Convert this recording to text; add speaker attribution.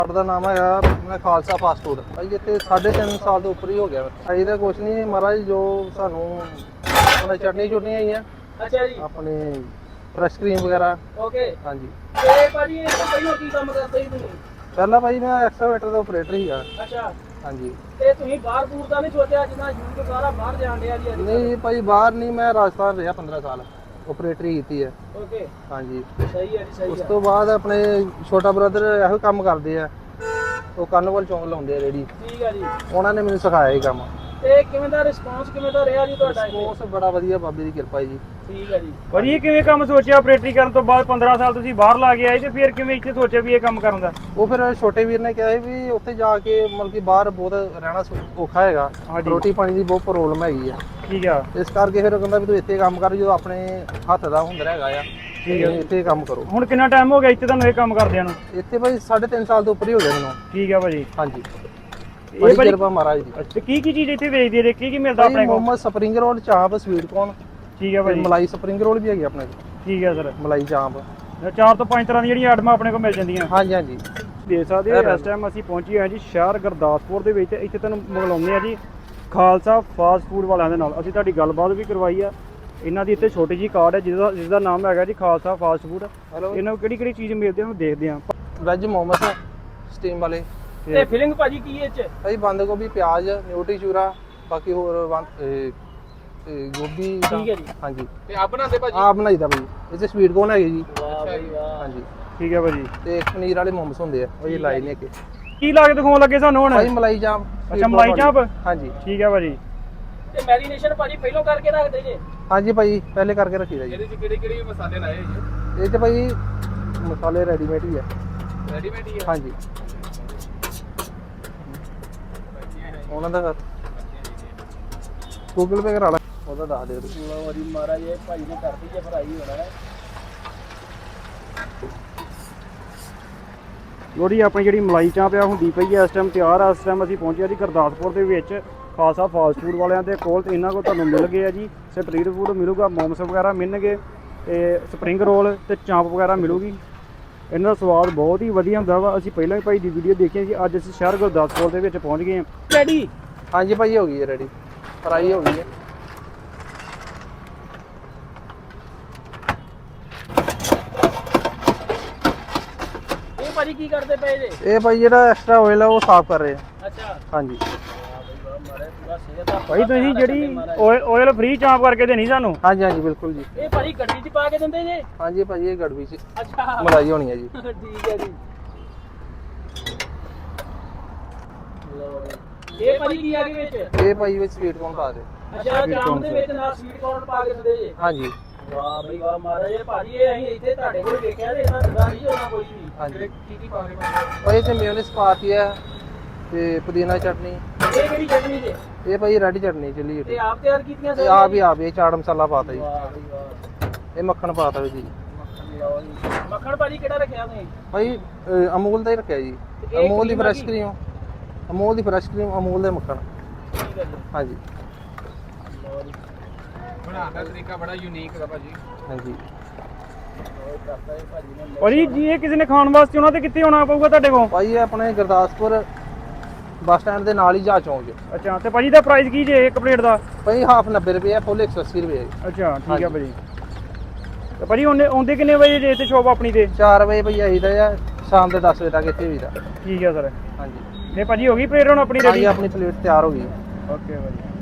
Speaker 1: ਸਾਡਾ ਨਾਮ ਹੈਗਾ ਮੈਂ ਖਾਲਸਾ ਫਾਸਟ ਫੂਡ ਭਾਈ। ਇੱਥੇ 3.5 ਸਾਲ ਤੋਂ ਉੱਪਰ ਹੀ ਹੋ ਗਿਆ ਭਾਈ। ਦਾ ਕੁਛ ਨਹੀਂ ਮਹਾਰਾਜ, ਜੋ ਸਾਨੂੰ ਆਪਣੇ ਚਟਨੀ ਚੁਟਨੀਆਂ ਆਈਆਂ।
Speaker 2: ਅੱਛਾ ਜੀ।
Speaker 1: ਆਪਣੇ ਫਰੈਸ਼ ਕਰੀਮ ਵਗੈਰਾ।
Speaker 2: ਓਕੇ
Speaker 1: ਹਾਂਜੀ।
Speaker 2: ਤੇ ਭਾਜੀ ਇਹ ਤੋਂ ਪਹਿਲਾਂ ਕੀ ਕੰਮ ਕਰਦੇ ਸੀ ਤੁਸੀਂ?
Speaker 1: ਪਹਿਲਾਂ ਭਾਈ ਮੈਂ ਐਕਸਕਾਵੇਟਰ ਦਾ ਆਪਰੇਟਰ ਸੀਗਾ।
Speaker 2: ਅੱਛਾ।
Speaker 1: ਹਾਂਜੀ।
Speaker 2: ਤੇ ਤੁਸੀਂ ਬਾਹਰ ਬੂਰ ਦਾ ਨਹੀਂ ਸੋਚਿਆ, ਜਿੱਦਾਂ ਯੂਥ ਸਾਰਾ ਬਾਹਰ ਜਾਣ ਡਿਆ ਜੀ ਅੱਜ?
Speaker 1: ਨਹੀਂ ਭਾਈ ਬਾਹਰ ਨਹੀਂ, ਮੈਂ ਰਾਜਸਥਾਨ ਰਿਹਾ 15 ਸਾਲ ਆਪਰੇਟਰੀ ਕੀਤੀ ਹੈ।
Speaker 2: ਓਕੇ
Speaker 1: ਹਾਂਜੀ।
Speaker 2: ਸਹੀ ਹੈ ਜੀ, ਸਹੀ
Speaker 1: ਉਸ
Speaker 2: ਹੈ।
Speaker 1: ਤੋਂ ਬਾਅਦ ਆਪਣੇ ਛੋਟਾ ਬ੍ਰਦਰ ਇਹੋ ਕੰਮ ਕਰਦੇ ਆ, ਉਹ ਕਾਰਨਵਲ ਚੌਂਕ ਲਾਉਂਦੇ ਆ ਰੇੜੀ।
Speaker 2: ਠੀਕ ਹੈ ਜੀ।
Speaker 1: ਉਹਨਾਂ ਨੇ ਮੈਨੂੰ ਸਿਖਾਇਆ ਇਹ ਕੰਮ।
Speaker 2: ਤੇ ਕਿਵੇਂ ਦਾ ਰਿਸਪੌਂਸ ਕਿਵੇਂ ਦਾ ਰਿਹਾ ਜੀ ਤੁਹਾਡਾ ਇੱਥੇ?
Speaker 1: ਰਿਸਪੌਂਸ ਬੜਾ ਵਧੀਆ, ਬਾਬੇ ਦੀ ਕਿਰਪਾ ਜੀ।
Speaker 2: ਠੀਕ ਹੈ ਜੀ।
Speaker 3: ਭਾਜੀ ਕਿਵੇਂ ਕੰਮ ਸੋਚਿਆ ਆਪਰੇਟਰੀ ਕਰਨ ਤੋਂ ਬਾਅਦ? 15 ਸਾਲ ਤੁਸੀਂ ਬਾਹਰ ਲਾ ਕੇ ਆਏ ਤੇ ਫਿਰ ਕਿਵੇਂ ਇੱਥੇ ਸੋਚਿਆ ਵੀ ਇਹ ਕੰਮ ਕਰਨ ਦਾ?
Speaker 1: ਉਹ ਫਿਰ ਛੋਟੇ ਵੀਰ ਨੇ ਕਿਹਾ ਸੀ ਵੀ ਉੱਥੇ ਜਾ ਕੇ ਮਤਲਬ ਕਿ ਬਾਹਰ ਬਹੁਤ ਰਹਿਣਾ ਔਖਾ ਹੈਗਾ,
Speaker 3: ਹਾਂਜੀ।
Speaker 1: ਰੋਟੀ ਪਾਣੀ ਦੀ ਬਹੁਤ ਪ੍ਰੋਬਲਮ ਹੈਗੀ ਆ।
Speaker 3: ਠੀਕ ਆ।
Speaker 1: ਇਸ ਕਰਕੇ ਫਿਰ ਉਹ ਕਹਿੰਦਾ ਵੀ ਤੂੰ ਇੱਥੇ ਕੰਮ ਕਰ, ਜਦੋਂ ਆਪਣੇ ਹੱਥ ਦਾ ਹੁਨਰ ਹੈਗਾ ਆ।
Speaker 3: ਠੀਕ ਹੈ।
Speaker 1: ਇੱਥੇ ਕੰਮ ਕਰੋ।
Speaker 3: ਹੁਣ ਕਿੰਨਾ ਟਾਈਮ ਹੋ ਗਿਆ ਇੱਥੇ ਤੁਹਾਨੂੰ ਇਹ ਕੰਮ ਕਰਦਿਆਂ ਨੂੰ?
Speaker 1: ਇੱਥੇ ਭਾਈ 3.5 ਸਾਲ ਤੋਂ ਉੱਪਰ ਹੀ ਹੋ ਗਿਆ ਮੈਨੂੰ।
Speaker 3: ਠੀਕ ਆ ਭਾਜੀ।
Speaker 1: ਹਾਂਜੀ।
Speaker 3: ਇਹ
Speaker 1: ਬੜੀ
Speaker 3: ਭਾਜੀ
Speaker 1: ਕਿਰਪਾ ਮਹਾਰਾਜ ਦੀ।
Speaker 3: ਅੱਛਾ, ਕੀ ਚੀਜ਼ ਇੱਥੇ ਵੇਚਦੇ ਨੇ? ਕੀ ਮਿਲਦਾ ਆਪਣੇ
Speaker 1: ਭਾਈ
Speaker 3: ਕੋਲ?
Speaker 1: Muhammad spring roll, chaap, sweet corn,
Speaker 3: ਠੀਕ ਆ ਭਾਜੀ।
Speaker 1: ਮਲਾਈ ਸਪਰਿੰਗ ਰੋਲ ਵੀ ਹੈਗੀ ਆਪਣੇ ਕੋਲ।
Speaker 3: ਠੀਕ ਆ ਸਰ।
Speaker 1: ਮਲਾਈ ਚਾਂਪ।
Speaker 3: 4 ਤੋਂ 5 ਤਰ੍ਹਾਂ ਦੀਆਂ ਜਿਹੜੀਆਂ ਆਈਟਮਾਂ ਆਪਣੇ ਕੋਲ ਮਿਲ ਜਾਂਦੀਆਂ।
Speaker 1: ਹਾਂਜੀ ਹਾਂਜੀ।
Speaker 3: ਦੇਖ ਸਕਦੇ ਹੋ ਇਸ ਟਾਈਮ ਅਸੀਂ ਪਹੁੰਚੇ ਹਾਂ ਜੀ ਸ਼ਹਿਰ ਗੁਰਦਾਸਪੁਰ ਦੇ ਵਿੱਚ। ਇੱਥੇ ਤੁਹਾਨੂੰ ਮਿਲਾਉਂਦੇ ਆ ਜੀ ਖਾਲਸਾ ਫਾਸਟ ਫੂਡ ਵਾਲਿਆਂ ਦੇ ਨਾਲ। ਅਸੀਂ ਤੁਹਾਡੀ ਗੱਲਬਾਤ ਵੀ ਕਰਵਾਈ ਆ। ਇਹਨਾਂ ਦੀ ਇੱਥੇ ਛੋਟੀ ਜਿਹੀ ਕਾਰਡ ਹੈ ਜਿਸ ਦਾ ਨਾਮ ਹੈਗਾ ਜੀ ਖਾਲਸਾ ਫਾਸਟ ਫੂਡ। ਇਹਨਾਂ ਨੂੰ ਕਿਹੜੀ ਚੀਜ਼ ਮਿਲਦੀ ਹੈ ਉਹ ਦੇਖਦੇ ਹਾਂ।
Speaker 1: ਵੈਜ ਮੋਮੋਸ ਸਟੀਮ ਵਾਲੇ।
Speaker 2: ਤੇ ਫਿਲਿੰਗ ਭਾਜੀ ਕੀ ਇਹ ਚ?
Speaker 1: ਭਾਈ ਬੰਦ ਗੋਭੀ, ਪਿਆਜ਼, ਨਿਊਟਰੀ ਚੂਰਾ, ਬਾਕੀ ਹੋਰ ਗੋਭੀ।
Speaker 2: ਠੀਕ ਹੈ ਜੀ।
Speaker 1: ਹਾਂਜੀ।
Speaker 2: ਤੇ ਆਪ ਬਣਾਉਂਦੇ ਭਾਜੀ?
Speaker 1: ਆਪ ਬਣਾਈਦਾ ਭਾਈ। ਇਹ 'ਚ ਸਵੀਟ ਕੋਰਨ ਹੈਗੇ ਜੀ।
Speaker 2: ਵਾਹ ਭਾਈ ਵਾਹ।
Speaker 1: ਹਾਂਜੀ।
Speaker 3: ਠੀਕ ਹੈ ਭਾਜੀ।
Speaker 1: ਤੇ ਪਨੀਰ ਵਾਲੇ ਮੋਮੋਸ ਹੁੰਦੇ ਆ, ਉਹ ਇਹ ਲਾਏ ਨੇ ਕਿ
Speaker 3: ਕੀ ਲਾ ਕੇ ਦਿਖਾਉਣ ਲੱਗੇ ਸਾਨੂੰ ਹੁਣ?
Speaker 1: ਭਾਈ ਮਲਾਈ ਚਾਂਪ।
Speaker 3: ਅੱਛਾ, ਮਲਾਈ ਚਾਂਪ।
Speaker 1: ਹਾਂਜੀ।
Speaker 3: ਠੀਕ ਹੈ ਭਾਜੀ।
Speaker 2: ਤੇ ਮੈਰੀਨੇਸ਼ਨ ਭਾਜੀ ਪਹਿਲਾਂ ਕਰਕੇ ਰੱਖਦੇ ਜੇ?
Speaker 1: ਹਾਂਜੀ ਭਾਈ, ਪਹਿਲੇ ਕਰਕੇ ਰੱਖੀਦਾ ਜੀ।
Speaker 2: ਇਹਦੇ ਚ ਕਿਹੜੇ ਮਸਾਲੇ ਲਾਏ ਜੀ?
Speaker 1: ਇਹ 'ਚ ਭਾਈ ਮਸਾਲੇ ਰੈਡੀਮੇਡ ਹੀ ਆ।
Speaker 2: ਰੈਡੀਮੇਡ ਹੀ ਆ?
Speaker 1: ਹਾਂਜੀ। ਉਹਨਾਂ ਦਾ ਗੂਗਲ ਪੇ ਕਰਾ ਲਾ, ਉਹਦਾ ਦੱਸ ਦੇ ਤੁਸੀਂ।
Speaker 2: ਲਓ ਜੀ ਮਹਾਰਾਜ, ਇਹ ਭਾਈ ਨੇ ਕਰਦੀ ਜੇ ਫਰਾਈ ਹੋਣਾ ਹੈ।
Speaker 3: ਲੋੜੀ ਆਪਣੀ ਜਿਹੜੀ ਮਲਾਈ ਚਾਂਪ ਆ ਹੁੰਦੀ ਪਈ ਹੈ ਇਸ ਟਾਈਮ ਤਿਆਰ ਆ। ਇਸ ਟਾਈਮ ਅਸੀਂ ਪਹੁੰਚੇ ਜੀ ਗੁਰਦਾਸਪੁਰ ਦੇ ਵਿੱਚ ਖਾਲਸਾ ਫਾਸਟ ਫੂਡ ਵਾਲਿਆਂ ਦੇ ਕੋਲ। ਤੇ ਇਹਨਾਂ ਕੋਲ ਤੁਹਾਨੂੰ ਮਿਲ ਗਏ ਆ ਜੀ ਸਟਰੀਟ ਫੂਡ ਮਿਲੂਗਾ, ਮੋਮਸ ਵਗੈਰਾ ਮਿਲਣਗੇ, ਤੇ ਸਪਰਿੰਗ ਰੋਲ ਤੇ ਚਾਂਪ ਵਗੈਰਾ ਮਿਲੂਗੀ। ਇਹਨਾਂ ਦਾ ਸਵਾਦ ਬਹੁਤ ਹੀ ਵਧੀਆ ਹੁੰਦਾ ਵਾ। ਅਸੀਂ ਪਹਿਲਾਂ ਵੀ ਭਾਈ ਦੀ ਵੀਡੀਓ ਦੇਖੀ ਸੀ। ਅੱਜ ਅਸੀਂ ਸ਼ਹਿਰ ਗੁਰਦਾਸਪੁਰ ਦੇ ਵਿੱਚ ਪਹੁੰਚ ਗਏ ਹਾਂ।
Speaker 2: ਰੈਡੀ?
Speaker 1: ਹਾਂਜੀ ਭਾਈ, ਹੋ ਗਈ ਹੈ ਰੈਡੀ, ਫਰਾਈ ਹੋ ਗਈ ਹੈ।
Speaker 2: ਇਹ ਭਾਜੀ ਕੀ ਕਰਦੇ ਪਏ ਜੇ?
Speaker 1: ਇਹ ਭਾਈ ਜਿਹੜਾ ਐਕਸਟਰਾ ਆਇਲ ਆ ਉਹ ਸਾਫ਼ ਕਰ ਰਹੇ ਆ।
Speaker 2: ਅੱਛਾ।
Speaker 1: ਹਾਂਜੀ।
Speaker 3: ਭਾਈ ਤੁਸੀਂ ਜਿਹੜੀ ਆਇਲ ਫ੍ਰੀ ਚਾਂਪ ਕਰਕੇ ਦੇਣੀ ਸਾਨੂੰ?
Speaker 1: ਹਾਂਜੀ ਹਾਂਜੀ ਬਿਲਕੁਲ ਜੀ।
Speaker 2: ਇਹ ਭਾਜੀ ਗੱਡੀ 'ਚ ਪਾ ਕੇ ਦਿੰਦੇ ਜੇ?
Speaker 1: ਹਾਂਜੀ ਭਾਈ, ਇਹ ਗੜਵੀ ਚ
Speaker 2: ਅੱਛਾ
Speaker 1: ਮਲਾਈ ਹੋਣੀ ਹੈ ਜੀ।
Speaker 2: ਠੀਕ ਹੈ ਜੀ। ਲਓ ਜੀ। ਇਹ ਭਾਜੀ ਕੀ ਆ ਗਏ ਵਿੱਚ?
Speaker 1: ਇਹ ਭਾਈ ਵਿੱਚ ਸਵੀਟ ਕੋਰਨ ਪਾ ਦੇ।
Speaker 2: ਅੱਛਾ, ਚਾਂਪ ਦੇ ਵਿੱਚ ਨਾਲ ਸਵੀਟ ਕੋਰਨ ਪਾ ਕੇ ਦਿੰਦੇ ਜੇ?
Speaker 1: ਹਾਂਜੀ।
Speaker 2: ਵਾਹ ਬਈ ਵਾਹ ਮਹਾਰਾਜ, ਇਹ ਭਾਜੀ ਇਹ ਅਸੀਂ ਇੱਥੇ ਤੁਹਾਡੇ ਕੋਲ ਵੇਖਿਆ ਤੇ ਇਹਨਾਂ ਦਾ ਨਹੀਂ ਹੋਣਾ ਕੋਈ ਵੀ।
Speaker 1: ਹਾਂਜੀ।
Speaker 2: ਕੀ ਪਾ ਕੇ?
Speaker 1: ਭਾਈ ਇਹ 'ਚ ਮੇਯੋਨੀਜ਼ ਪਾਤੀ ਹੈ ਤੇ ਪੁਦੀਨਾ ਚਟਨੀ।
Speaker 2: ਇਹ ਕਿਹੜੀ ਚਟਨੀ ਜੇ?
Speaker 1: ਇਹ ਭਾਈ ਰੈਡ ਚਟਨੀ ਚਿੱਲੀ
Speaker 2: ਤੇ ਆਪ ਤਿਆਰ ਕੀਤੀਆਂ
Speaker 1: ਇਹ ਆਪ ਇਹ ਚਾਟ ਮਸਾਲਾ ਪਾਤਾ ਜੀ।
Speaker 2: ਵਾਹ ਬਈ ਵਾਹ।
Speaker 1: ਇਹ ਮੱਖਣ ਪਾਤਾ ਜੀ।
Speaker 2: ਲਓ ਜੀ। ਮੱਖਣ ਭਾਜੀ ਕਿਹੜਾ ਰੱਖਿਆ ਤੁਸੀਂ?
Speaker 1: ਭਾਈ ਅਮੂਲ ਦਾ ਹੀ ਰੱਖਿਆ ਜੀ।
Speaker 2: ਇਹ
Speaker 1: ਅਮੂਲ ਦੀ
Speaker 2: cream
Speaker 1: ਫਰੈਸ਼
Speaker 2: ਹੈਗੀ?
Speaker 1: ਕਰੀਮ, ਅਮੂਲ ਦੀ ਫਰੈਸ਼ ਕਰੀਮ, ਅਮੂਲ ਦੇ ਮੱਖਣ।
Speaker 2: ਠੀਕ ਹੈ ਜੀ।
Speaker 1: ਹਾਂਜੀ।
Speaker 2: ਲਓ ਜੀ। ਬਣਾਉਣ ਦਾ ਤਰੀਕਾ ਬੜਾ ਯੂਨੀਕ ਹੈ ਭਾਜੀ।
Speaker 1: ਹਾਂਜੀ।
Speaker 2: ਉਹ ਕਰਦਾ ਇਹ ਭਾਜੀ ਨੇ।
Speaker 3: ਭਾਜੀ ਜੀ ਇਹ ਕਿਸੇ ਨੇ ਖਾਣ ਵਾਸਤੇ ਉਹਨਾਂ ਤੇ ਕਿੱਥੇ ਆਉਣਾ ਪਊਗਾ ਤੁਹਾਡੇ ਕੋਲ?
Speaker 1: ਭਾਈ ਇਹ ਆਪਣੇ ਗੁਰਦਾਸਪੁਰ ਬੱਸ ਸਟੈਂਡ ਦੇ ਨਾਲ ਹੀ ਜਾ ਚੌਂਕ 'ਚ।
Speaker 3: ਅੱਛਾ, ਤੇ ਭਾਜੀ ਦਾ ਪ੍ਰਾਈਸ ਕੀ ਜੇ ਇੱਕ ਪਲੇਟ ਦਾ?
Speaker 1: ਭਾਈ ਹਾਫ 90 ਰੁਪਏ ਹੈ, ਫੁੱਲ 180 ਰੁਪਏ ਹੈ।
Speaker 3: ਅੱਛਾ ਠੀਕ
Speaker 1: ਹਾਂਜੀ।
Speaker 3: ਆ ਭਾਜੀ। ਤੇ ਭਾਜੀ ਆਉਂਦੇ ਕਿੰਨੇ ਵਜੇ ਜੇ ਇੱਥੇ ਸ਼ੋਪ ਆਪਣੀ ਤੇ?
Speaker 1: 4 ਵਜੇ ਭਾਈ ਆਈਦਾ ਆ, ਸ਼ਾਮ ਦੇ 10 ਵਜੇ ਤੱਕ ਇੱਥੇ ਹੋਈਦਾ।
Speaker 3: ਠੀਕ ਆ ਸਰ।
Speaker 1: ਹਾਂਜੀ।
Speaker 3: ਤੇ ਭਾਜੀ ਹੋ ਗਈ ਪਲੇਟ ਹੁਣ ਆਪਣੀ
Speaker 1: ਭਾਈ
Speaker 3: ਰੈਡੀ?
Speaker 1: ਆਪਣੀ ਪਲੇਟ ਤਿਆਰ ਹੋ ਗਈ।
Speaker 3: ਓਕੇ ਭਾਜੀ।